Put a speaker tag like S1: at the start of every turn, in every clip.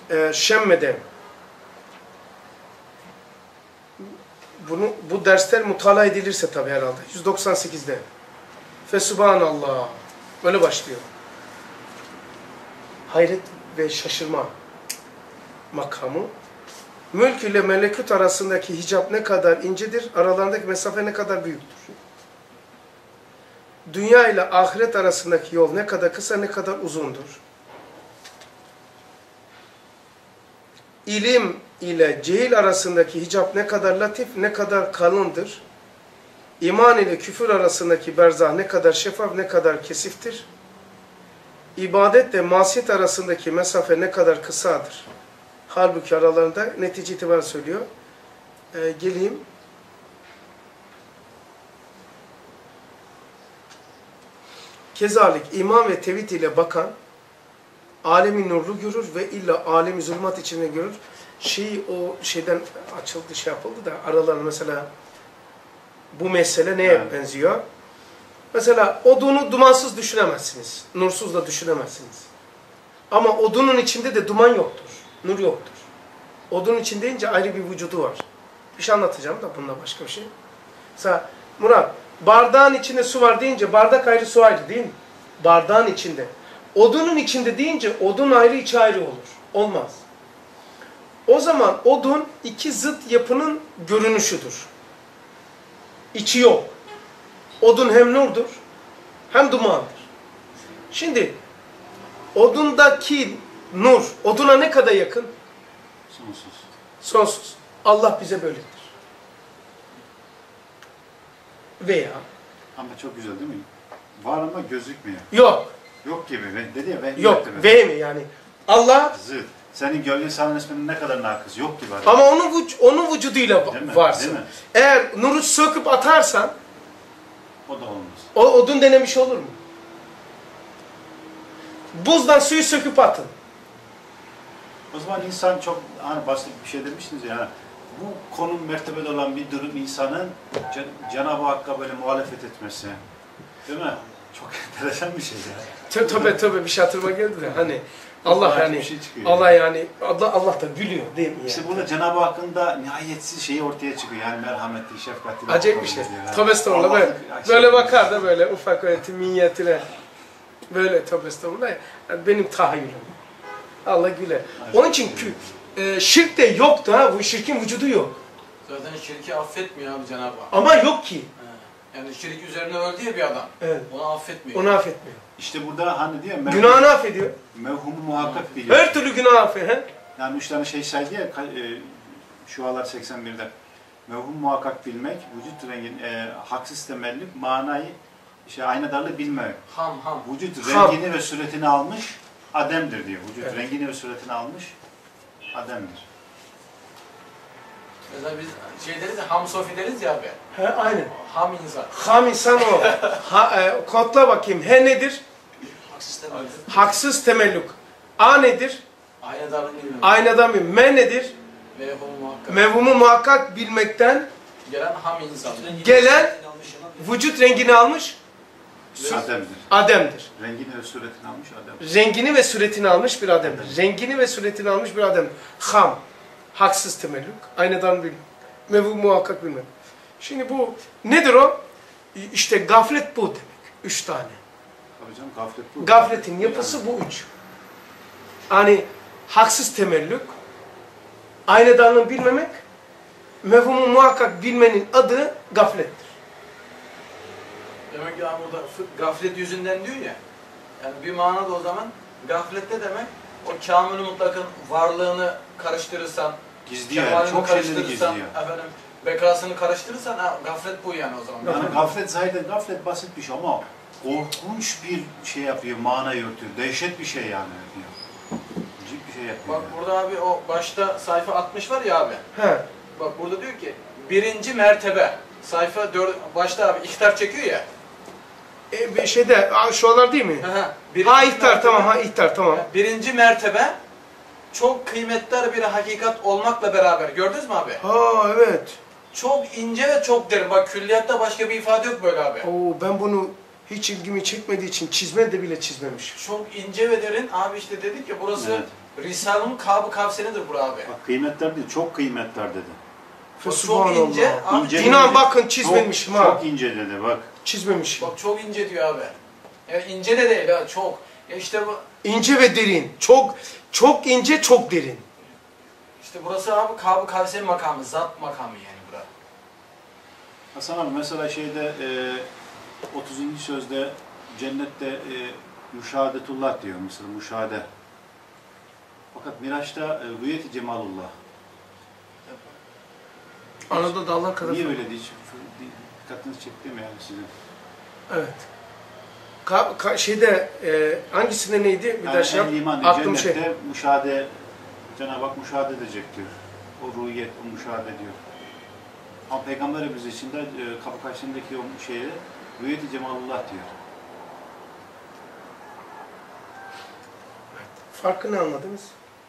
S1: Şemme'de bu dersler mutala edilirse tabi herhalde. 198'de. Fesubhanallah. Böyle başlıyor. Hayret ve şaşırma makamı. Mülk ile melekut arasındaki hicap ne kadar incedir, aralarındaki mesafe ne kadar büyüktür. Dünya ile ahiret arasındaki yol ne kadar kısa, ne kadar uzundur. İlim ile cehil arasındaki hicap ne kadar latif, ne kadar kalındır. İman ile küfür arasındaki berzah ne kadar şeffaf, ne kadar kesiftir. İbadetle masiyet arasındaki mesafe ne kadar kısadır. Halbuki aralarında netice itibariyle söylüyor. Geleyim. Kezalik iman ve tevhid ile bakan alemi nurlu görür ve illa alemi zulmat içinde görür. O şeyden açıldı, şey yapıldı da aralarında mesela bu mesele neye benziyor? Mesela odunu dumansız düşünemezsiniz. Nursuz da düşünemezsiniz. Ama odunun içinde de duman yoktur. Nur yoktur. Odunun içinde deyince ayrı bir vücudu var. Bir şey anlatacağım da bununla başka bir şey. Mesela Murat, bardağın içinde su var deyince bardak ayrı su ayrı değil mi? Bardağın içinde. Odunun içinde deyince odun ayrı içi ayrı olur. Olmaz. O zaman odun iki zıt yapının görünüşüdür. İçi yok. Odun hem nurdur hem dumandır. Şimdi odundaki nur oduna ne kadar yakın?
S2: Sonsuz.
S1: Sonsuz. Allah bize böyledir. Veya
S2: ama çok güzel değil mi? Var ama gözükmüyor.
S1: yok.
S2: Yok gibi. Dedi ya ben
S1: yok. Ve mi yani? Allah
S2: zıt. Senin gölge sahanın isminin ne kadar nakıs. Yok gibi.
S1: Ama onun vücuduyla varsın. Eğer nuru söküp atarsan
S2: o da olmaz.
S1: O odun denemiş olur mu? Buzdan suyu söküp atın.
S2: O zaman insan çok hani basit bir şey demiştiniz ya. Yani, bu konum mertebede olan bir durum insanın Cenab-ı Hakk'a böyle muhalefet etmesi. Değil mi? Çok enteresan bir şey ya.
S1: Tabii bir şey hatırıma geldi de hani Allah yani şey Allah yani Allah da biliyor değil mi yani?
S2: İşte burada Cenab-ı Hakk'ın da nihayetsiz şeyi ortaya çıkıyor. Yani merhametli, şefkatli.
S1: Acayip bir şey. Tövbe estağfurullah. Böyle bakar da böyle ufak öğretimiyetine böyle tövbe estağfurullah. Yani benim tahayyülüm. Allah güle. Onun için şirk de yoktu ha. Bu şirkin vücudu yok.
S3: Zaten şirki affetmiyor abi Cenab-ı Hak.
S1: Ama yok ki.
S3: Yani şirk üzerine öldü ya bir adam.
S1: Evet.
S3: Onu affetmiyor.
S1: Onu affetmiyor.
S2: İşte burada hani diyor
S1: günahını affediyor.
S2: Mevhumu muhakkak biliyor.
S1: Her türlü günah affediyor.
S2: Yani 3 tane şey saydı ya Şualar 81'de. Mevhum muhakkak bilmek, vücut rengin haksız temellük, manayı aynadarlığı bilmek. Vücut rengini ve suretini almış ademdir diyor. Vücut rengini ve suretini almış ademdir.
S3: Mesela biz şey deriz ya, ham sofi deriz ya abi.
S1: He, aynen.
S3: Ham insan.
S1: Ham insan o. Kodla bakayım. He nedir?
S3: Haksız temellük.
S1: Haksız temellük. A nedir?
S3: Aynadarlık bilmek.
S1: Aynadan bilmek. Me nedir? Mevhumu muhakkak bilmekten
S3: gelen ham insan.
S1: Gelen vücut rengini almış
S2: ademdir.
S1: Ademdir.
S2: Rengini ve suretini almış ademdir.
S1: Rengini ve suretini almış bir ademdir. Rengini ve suretini almış bir ademdir. Ham. Haksız temellük. Aynadan bilmek. Mevhumu muhakkak bilmek. Şimdi bu nedir o? İşte gaflet bu demek. 3 tane.
S2: Tabii canım, gaflet bu.
S1: Gafletin yapısı bu 3. Hani haksız temellük, aynadanlığı bilmemek, mevhumu muhakkak bilmenin adı gaflettir.
S3: Demek ki burada gaflet yüzünden diyor ya, yani bir manada o zaman gaflette demek o kamil-i mutlakın varlığını karıştırırsan,
S2: gizliyor, çok şeyleri gizliyor.
S3: Efendim, bekasını karıştırırsan gaflet bu yani o zaman.
S2: Yani gaflet zaten gaflet basit bir şey ama korkunç bir şey yapıyor, mana yürütüyor. Dehşet bir şey yani. Cip bir şey yapıyor.
S3: Bak yani. Burada abi o başta sayfa 60 var ya abi.
S1: He.
S3: Bak burada diyor ki 1. mertebe. Sayfa 4 başta abi ihtar çekiyor ya.
S1: Şeyde şuralar değil mi? Ha ihtar tamam, ha ihtar tamam.
S3: 1. mertebe çok kıymetli bir hakikat olmakla beraber. Gördünüz mü abi?
S1: Ha evet.
S3: Çok ince ve çok derin. Bak külliyatta başka bir ifade yok böyle abi.
S1: Oo, ben bunu hiç ilgimi çekmediği için çizme de bile çizmemiş.
S3: Çok ince ve derin. Abi işte dedik ya burası Risale'nin Kâb-ı Kavsenidir bura abi.
S2: Bak kıymetler değil, çok kıymetler dedi.
S3: Çok ince.
S2: İnce
S1: İnan bakın çizmemişim ha.
S2: Çok ince dedi bak.
S1: Çizmemişim.
S3: Bak çok ince diyor abi. Yani ince de değil ha, çok. Ya işte bu.
S1: İnce ve derin. Çok ince, çok derin.
S3: İşte burası abi Kâb-ı Kavsen makamı, zat makamı yani bura.
S2: Hasan abi mesela şeyde 30. sözde cennette müşahadetullah diyor mesela müşahede. Fakat Miraç'ta rüyet-i cemalullah.
S1: Arada dağlar kadar.
S2: Niye öyle değil? Dikkatinizi çekti mi yani sizin?
S1: Evet. Şeyde hangisinde neydi? Bir daha şey yap.
S2: Aklım cennette müşahede, Cenab-ı Hak müşahede edecek diyor. O rüyet, o müşahede diyor. Ama Peygamberimiz için de kapı karşısındaki o şeye rüyet-i cemalullah diyor.
S1: Farkını anladınız?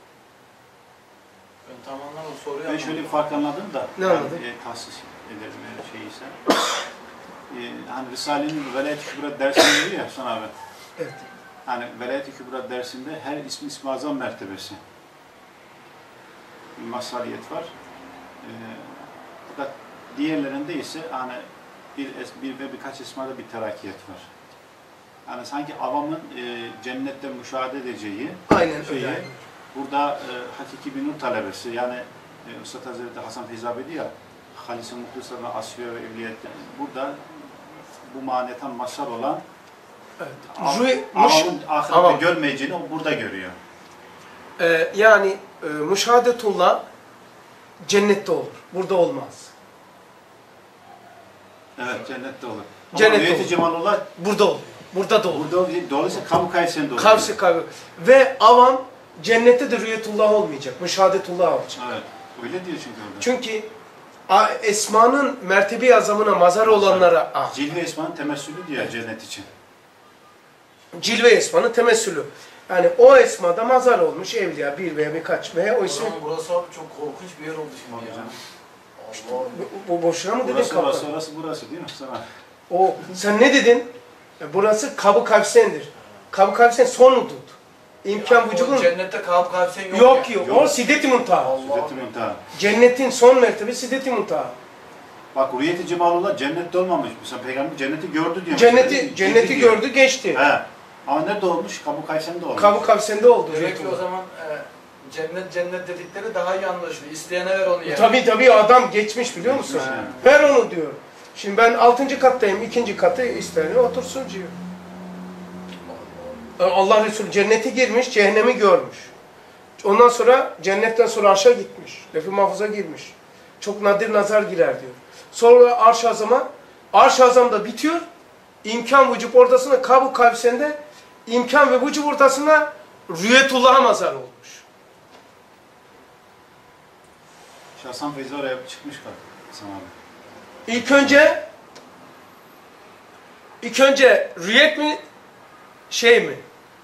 S3: Ben tam anlamadım, soruyu
S2: Ben şöyle bir fark anladım da.
S1: Ne anladın?
S2: Tahsis ederim şeyse. Hani Risale'nin Velayet-i Kübra dersinde diyor ya Hasan abi.
S1: Evet.
S2: Hani Velayet-i Kübra dersinde her ismi azam mertebesi. Bir masaliyet var. Fakat diğerlerinde ise hani bir ve birkaç esmada bir terakiyet var. Yani sanki avamın cennette müşahede edeceği
S1: Aynen öyle.
S2: Burada hakiki bir nur talebesi yani Üstad Hazreti Hasan Feyzabi diyor ya Halis-i Muhlisa'na asfiye ve evliyette burada bu manetan mazhar olan avamın ahirette görmeyeceğini o burada görüyor.
S1: Yani müşahadetullah cennette olur. Burada olmaz.
S2: Evet cennette olur.
S1: Cennette
S2: olur. Cemalullah
S1: burada olur. Burada da olur.
S2: Dolayısıyla Kâb-ı Kavsen'de olur.
S1: Kavsi. Ve avam cennette de rüyetullah olmayacak. Müşahadetullah olacak.
S2: Evet. Öyle diyor çünkü orada.
S1: Çünkü esmanın mertebe azamına mazhar olanlara
S2: Cilve esmanın temessülü diyor cennet için.
S1: Cilve esmanın temessülü. Yani o esmada mazhar olmuş evliya bir veya birkaç veya o isim.
S3: Burası abi çok korkunç bir yer oldu şimdi ya. Allah.
S1: Bu boşuna mı dedin kapı?
S2: Burası değil mi sana?
S1: O sen ne dedin? Burası Kâb-ı Kavsen'dir. Kâb-ı Kavsen son hudut. İmkan vücudun.
S3: Cennette Kâb-ı Kavsen yok.
S1: Yok. O Sidet-i Muntaha.
S2: Sidet-i Muntaha.
S1: Cennetin son mertebe Sidet-i Muntaha.
S2: Bak Rüyet-i Cemalullah cennette olmamış. Mesela Peygamber cenneti gördü diyor.
S1: Cenneti gördü geçti.
S2: He. Ama nerede olmuş? Kâb-ı Kavsen'de olmuş.
S1: Kâb-ı Kavsen'de oldu.
S3: Demek ki o zaman cennet dedikleri daha iyi anlaşılıyor. İsteyene ver onu yani.
S1: Tabii adam geçmiş biliyor musun? Ver onu diyor. Şimdi ben 6. kattayım, 2. katı isteyene otursun diyor. Allah Resulü cennete girmiş, cehennemi görmüş. Ondan sonra cennetten sonra arşa gitmiş. Lef-i Mahfuz'a girmiş. Çok nadir nazar girer diyor. Sonra Arş-ı Azam'a, Arş-ı Azam'da bitiyor. İmkan vücub ortasında Kâb-ı Kavsen'de imkan ve vücub ortasında Rüyetullah'a mazhar olmuş.
S2: Hasan Feyzi oraya çıkmış Hasan abi.
S1: İlk önce rüyet mi şey mi?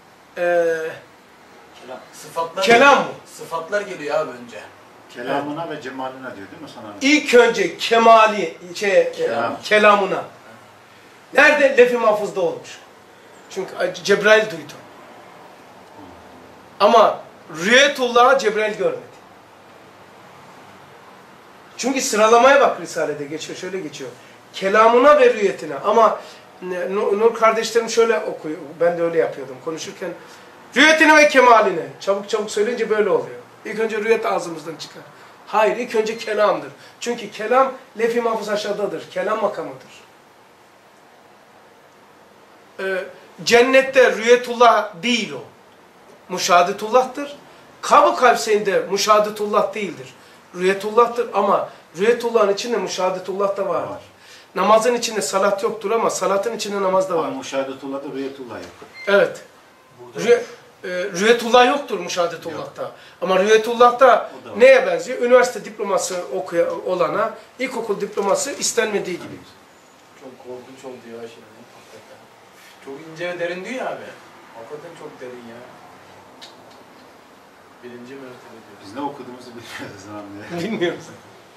S1: Kelam mı?
S3: Sıfatlar geliyor abi önce.
S2: Kelamına ve cemaline diyor değil mi sana?
S1: İlk önce kemali kelamına. Nerede? Lef-i Mahfuz'da olmuş. Çünkü Cebrail duydu. Ama Rüyetullah'a Cebrail görmedi. Çünkü sıralamaya bak Risale'de geçiyor, şöyle geçiyor. Kelamına ve rüyetine. Ama Nur kardeşlerim şöyle okuyor, ben de öyle yapıyordum konuşurken. Rüyetine ve kemaline. Çabuk söyleyince böyle oluyor. İlk önce rüyet ağzımızdan çıkar. Hayır, ilk önce kelamdır. Çünkü kelam lef-i mahfuz aşağıdadır. Kelam makamıdır. Cennette rüyetullah değil o. Müşahadetullah'tır. Kâb-ı Kavsen'de müşahadetullah değildir. Rüyetullah'tır ama rüyetullah'ın içinde müşahadetullah da vardır. Namazın içinde salat yoktur ama salatın içinde namaz da var.
S2: Ama müşahedetullah'da rüyetullah yok.
S1: Evet. Rüyetullah yoktur müşahedetullah'ta. Yok. Ama rüyetullah'ta neye benziyor? Üniversite diploması olana ilkokul diploması istenmediği gibi.
S3: Çok korkunç oldu ya şimdi. Çok ince ve derin diyor ya abi. Hakikaten çok derin ya. Birinci mertebe diyor.
S2: Biz ne okuduğumuzu bilmiyoruz abi.
S1: Bilmiyoruz.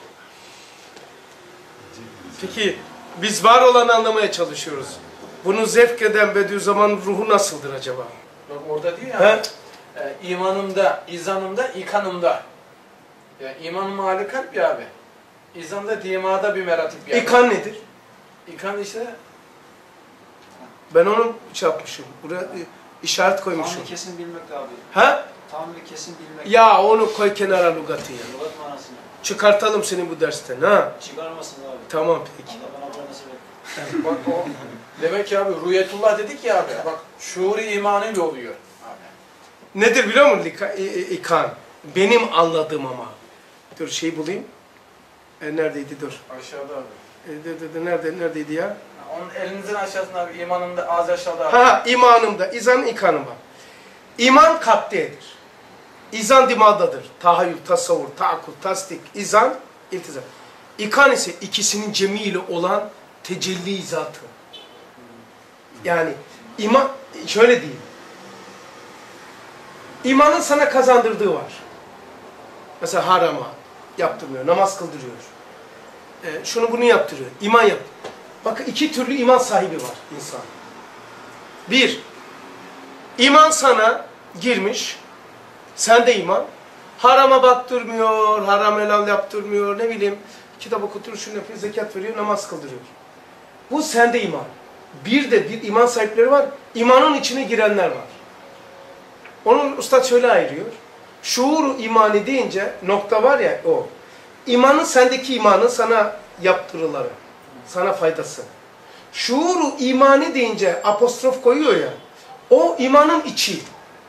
S1: Peki biz var olanı anlamaya çalışıyoruz. Bunu zevk eden Bediüzzaman ruhu nasıldır acaba?
S3: Bak orada diyor ya. imanımda, izanımda, ikanımda. Yani imanım hali kalp ya abi. İzanda dimada bir meratip yani.
S1: İkan nedir?
S3: İkan işte
S1: Ben onu şey yapmışım. Buraya işaret koymuşum.
S4: Tamamını kesin bilmek abi.
S1: Ha?
S4: Tamamını kesin bilmek.
S1: Ya onu koy kenara lügatı ya.
S4: Lugat manasını.
S1: Çıkartalım seni bu dersten ha.
S4: Çıkarmasın abi.
S1: Tamam peki.
S4: Allah bana bu nasip et.
S3: bak o demek ki abi rüyetullah dedik ya abi. Bak şuur-i imanıyla oluyor abi.
S1: Nedir biliyor musun ikan? Benim anladığım ama. Dur şey bulayım. Neredeydi dur.
S3: Aşağıda abi.
S1: Neredeydi ya?
S3: Onun elinizin aşağısında abi imanında az aşağıda abi.
S1: Ha imanımda. İzan ikanım var. İman kalptedir. İzan dimadadır. Tahayyül, tasavvur, taakkul, tasdik, izan, iltizam. İkan ise ikisinin cemiyle olan tecelli zatı. Yani iman, şöyle diyeyim. İmanın sana kazandırdığı var. Mesela harama yaptırmıyor, namaz kıldırıyor. Şunu bunu yaptırıyor, iman yap. Bakın iki türlü iman sahibi var insan. Bir, iman sana girmiş, sende iman. Harama baktırmıyor, haram helal yaptırmıyor, ne bileyim, kitap okutur, şunu yapıyor, zekat veriyor, namaz kıldırıyor. Bu sende iman. Bir de bir iman sahipleri var, imanın içine girenler var. Onu Üstad şöyle ayırıyor. Şuuru imani deyince nokta var ya o. İmanın sendeki imanın sana yaptırıları, sana faydası. Şuuru imani deyince apostrof koyuyor ya. O imanın içi.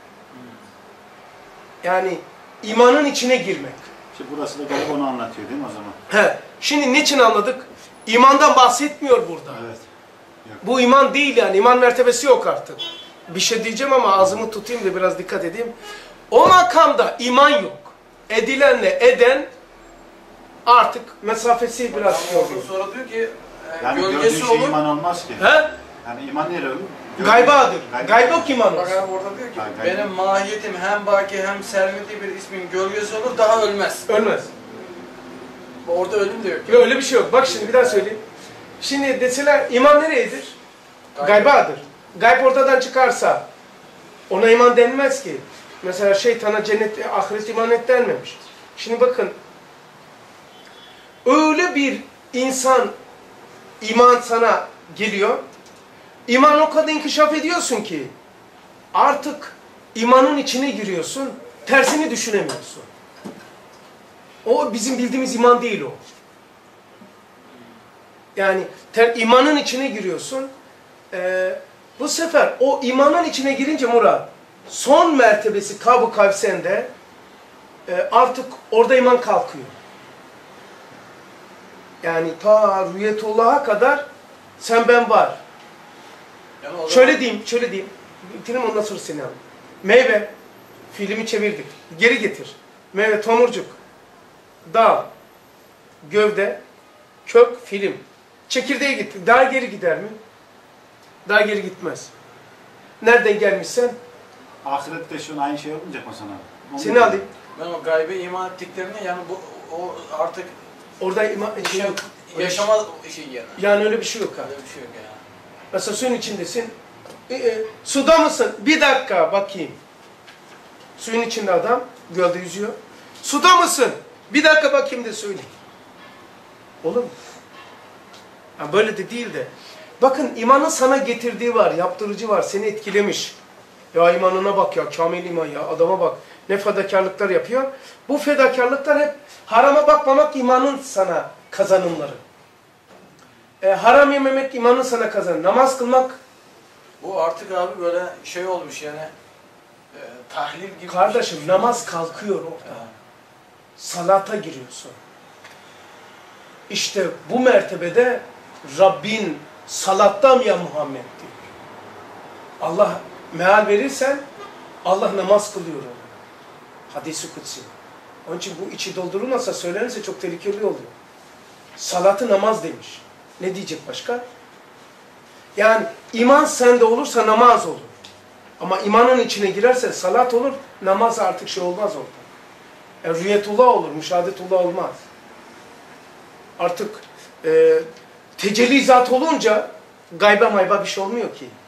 S1: Yani imanın içine girmek.
S2: İşte burası da galiba onu anlatıyor değil mi o zaman?
S1: He. Şimdi niçin anladık? İmandan bahsetmiyor burada.
S2: Evet. Yok.
S1: Bu iman değil yani. İman mertebesi yok artık. Bir şey diyeceğim ama ağzımı tutayım da biraz dikkat edeyim. O makamda iman yok. Edilenle eden artık mesafesi biraz
S3: Ama
S1: oluyor.
S3: sonra diyor ki
S2: Yani
S3: gölgesi
S2: gördüğün şey
S3: olur.
S2: iman olmaz ki.
S1: He?
S2: Yani iman nereye olur?
S1: Gaybadır. Gaybok iman
S3: Bak
S1: olsun.
S3: abi orada diyor ki
S2: Gayb.
S3: benim mahiyetim hem baki hem sermedi bir ismin gölgesi olur daha ölmez.
S1: Ölmez.
S3: Orada ölüm de yok.
S1: Yok öyle bir şey yok. Bak şimdi bir daha söyleyeyim. Şimdi deseler iman nereyedir? Gaybadır. Gayb ortadan çıkarsa ona iman denmez ki. Mesela şeytana cennet, ahiret iman et denmemiş. Şimdi bakın. Öyle bir insan iman sana geliyor. İman o kadar inkişaf ediyorsun ki artık imanın içine giriyorsun. Tersini düşünemiyorsun. O bizim bildiğimiz iman değil o. Yani imanın içine giriyorsun. Bu sefer o imanın içine girince Murat, son mertebesi Kab-ı Kavsen'de artık orada iman kalkıyor. Yani ta rüyetullah'a kadar sen ben var.
S3: Yani
S1: Şöyle diyeyim. Bitireyim ondan sonra seni alayım. Meyve, filmi çevirdik. Geri getir. Meyve, tomurcuk, dal, gövde, kök, film. Çekirdeğe gitti. Daha geri gider mi? Daha geri gitmez. Nereden gelmişsen?
S2: Ahirette şu an aynı şey olmayacak mı sana? Onu
S1: Seni alayım.
S3: Ben o gaybe iman ettiklerini yani bu o artık
S1: Orada şey yok.
S3: yaşama şey yani.
S1: Yani öyle bir şey yok ha.
S3: Öyle bir şey yok yani.
S1: Mesela suyun içindesin. Suda mısın? Bir dakika bakayım. Suyun içinde adam gölde yüzüyor. Suda mısın? Bir dakika bakayım de söyle. Olur mu? Ha, böyle de değil de. Bakın imanın sana getirdiği var, yaptırıcı var, seni etkilemiş. Ya imanına bak ya, kamil iman ya, adama bak. Ne fedakarlıklar yapıyor. Bu fedakarlıklar hep harama bakmamak imanın sana kazanımları. Haram yememek imanın sana kazanımı. Namaz kılmak.
S3: Bu artık abi böyle şey olmuş yani tahlil gibi.
S1: Kardeşim
S3: bir şey.
S1: namaz kalkıyor orada. Salata giriyorsun. İşte bu mertebede Rabbin salattam ya Muhammed diyor. Allah meal verirsen Allah namaz kılıyor onu. Hadis-i kutsi. Onun için bu içi doldurulmasa söylenirse çok tehlikeli oluyor. Salatı namaz demiş. Ne diyecek başka? Yani iman sende olursa namaz olur. Ama imanın içine girerse salat olur, namaz artık şey olmaz orada. Rüyetullah olur, müşahadetullah olmaz. Artık tecelli zat olunca gayba mayba bir şey olmuyor ki.